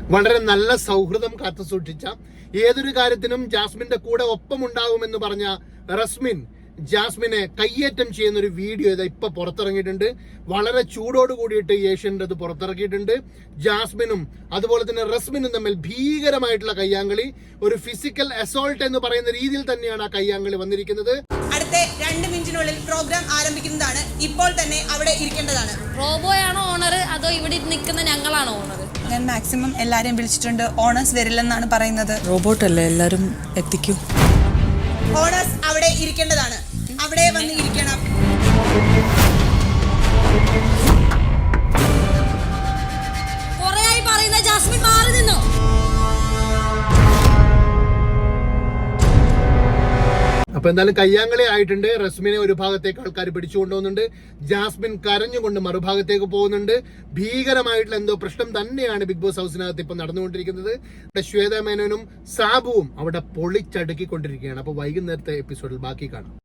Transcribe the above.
വളരെ നല്ല സൗഹൃദം കാത്തു സൂക്ഷിച്ച, ഏതൊരു കാര്യത്തിനും ജാസ്മിന്റെ കൂടെ ഒപ്പമുണ്ടാകുമെന്ന് പറഞ്ഞ റസ്മിൻ ജാസ്മിനെ കയ്യേറ്റം ചെയ്യുന്ന ഒരു വീഡിയോ ഇപ്പൊ പുറത്തിറങ്ങിയിട്ടുണ്ട്. വളരെ ചൂടോട് കൂടിയിട്ട് ഏഷ്യൻ്റെ അത് പുറത്തിറക്കിയിട്ടുണ്ട്. ജാസ്മിനും അതുപോലെ തന്നെ റസ്മിനും തമ്മിൽ ഭീകരമായിട്ടുള്ള കയ്യാങ്കളി, ഒരു ഫിസിക്കൽ അസോൾട്ട് എന്ന് പറയുന്ന രീതിയിൽ തന്നെയാണ് ആ കയ്യാങ്കളി വന്നിരിക്കുന്നത്. അടുത്ത 2 മിനിറ്റിനുള്ളിൽ പ്രോഗ്രാം ആരംഭിക്കുന്നതാണ്. ഇപ്പോൾ തന്നെ അവിടെ ഇരിക്കേണ്ടതാണ്. റോബോയാണോ ഓണർ അതോ ഇവിടെ നിൽക്കുന്ന ഞങ്ങളാണോ ഓണർ? ഞാൻ മാക്സിമം എല്ലാരെയും വിളിച്ചിട്ടുണ്ട്. ഓണേഴ്സ് വരില്ലെന്നാണ് പറയുന്നത്. റോബോട്ടല്ലേ, എല്ലാരും എത്തിക്കൂ. ഓണേഴ്സ് അവിടെ ഇരിക്കേണ്ടതാണ്. അവിടെ വന്ന് ഇരിക്കണം. കുറേയായി പറയുന്ന ജാസ്മിൻ മാറി നിന്നോ? അപ്പൊ എന്തായാലും കയ്യാങ്കളി ആയിട്ടുണ്ട്. റസ്മിനെ ഒരു ഭാഗത്തേക്ക് ആൾക്കാർ പിടിച്ചുകൊണ്ടുപോകുന്നുണ്ട്. ജാസ്മിൻ കരഞ്ഞുകൊണ്ട് മറുഭാഗത്തേക്ക് പോകുന്നുണ്ട്. ഭീകരമായിട്ടുള്ള എന്തോ പ്രശ്നം തന്നെയാണ് ബിഗ് ബോസ് ഹൗസിനകത്ത് ഇപ്പൊ നടന്നുകൊണ്ടിരിക്കുന്നത്. ശ്വേത മേനോനും സാബുവും അവിടെ പൊളിച്ചടുക്കിക്കൊണ്ടിരിക്കുകയാണ്. അപ്പൊ വൈകുന്നേരത്തെ എപ്പിസോഡിൽ ബാക്കി കാണാം.